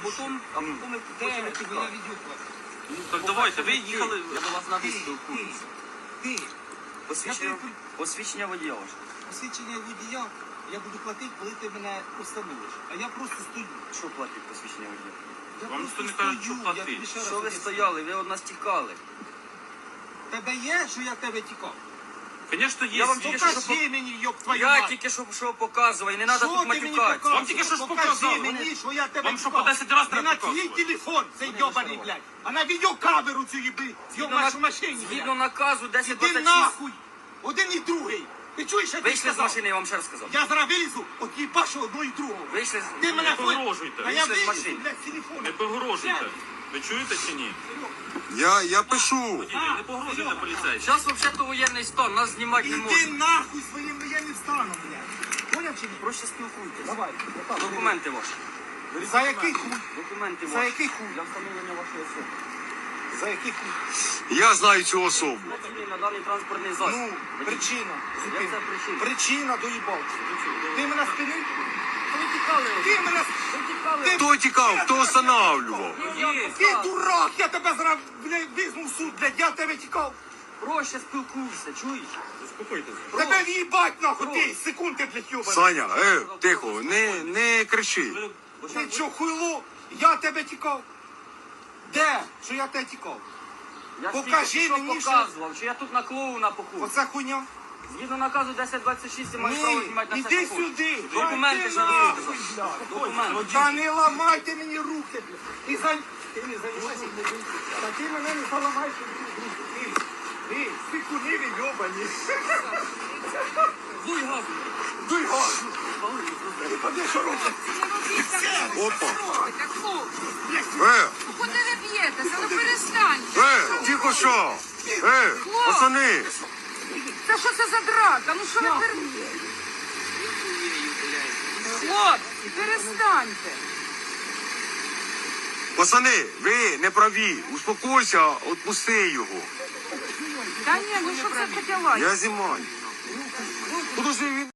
потім ми хочемо тікати. Так давайте, ви їхали... Я до вас надо спілкуватися. Ти. Посвідчення водія ваше. Посвідчення водія я буду платити, коли ти мене установиш. А я просто стою. Що платить посвідчення водія? Я Вам просто ніхто не каже, стою. що платити. Я тобі ще раз Що ви об'ясню. стояли? Ви від нас тікали. Тебе є, що я в тебе тікав? Звісно, є. Я вам тільки що Покажи мені, йоб твою Я мать. тільки що показував, і не треба Що тут ти мені матюкатися. показуєш? Вам тільки що ж Покажи показав. мені, що я тебе Вам що, тікав. по 10 раз Не треба на твій показувати? телефон, цей йобаний, блядь. А на відеокамеру цю їби, зйомаєш в машині, Згідно блядь. наказу Іди 1026. нахуй. Один і другий. Ти чуєш, що ти Вийшли з сказав? машини, я вам ще раз сказав. Я зараз вилізу, от їбашу одного і другого. Вийшли з... Ти мене Не погрожуйте. А я Вийшли з вилізу, машини. блядь, з телефону. Не погрожуйте. Ви чуєте чи ні? Я пишу. Водій, не погрожуйте поліцейським. Зараз взагалі воєнний стан, нас знімати не Іди можна. нахуй своїм воєнним станом, блядь. Поняв чи ні? Проще спілкуйтесь. Давай. отак. Документи ваші. За який хуй? Документи За ваші. який хуй? Для встановлення вашої особи. За який хуй? Я знаю цю особу. Працює на даний транспортний засіб. Ну, причина. Як це причина? Причина доїбався. Ти мене спинив? Ви тікали. Ти мене... Ви тікали. Хто тікав, хто останавливав? Ти дурак, я тебе зараз, блядь, візьму в суд, блядь, я тебе тікав. Проще спілкуйся, чуєш? Заспокойтесь. Тебе в'їбать нахуй, ти, секунди, блядь, йобаний. Саня, тихо, не кричи. Ти чо, хуйло? Я тебе тікав. Де? Що я тебе тікав? Я ж Покажи тільки що мені, що- показував, що я тут на клоуна похожу. Оце хуйня? Згідно наказу 1026 я маю право Ні, знімати на це іди похожу. сюди. Документи Ти ж нахуй, надо. блядь. Документи. Та не ламайте мені руки, блядь. Ти не займайся. Та ти мене не заламаєш руки. Ти, сикуниви йобані. Дуй газу. Дуй газу. Ходи, що робиш? Опа. Куди ви б'єтеся? Ну перестаньте. Тихо що? Пацани. Та що це за драка? Ну що ви переб'єте? Хлопці, перестаньте. Пацани, ви не праві. Успокойся, відпусти його. Та ні, ну що це таке лайк? Я знімаю. Подожди, він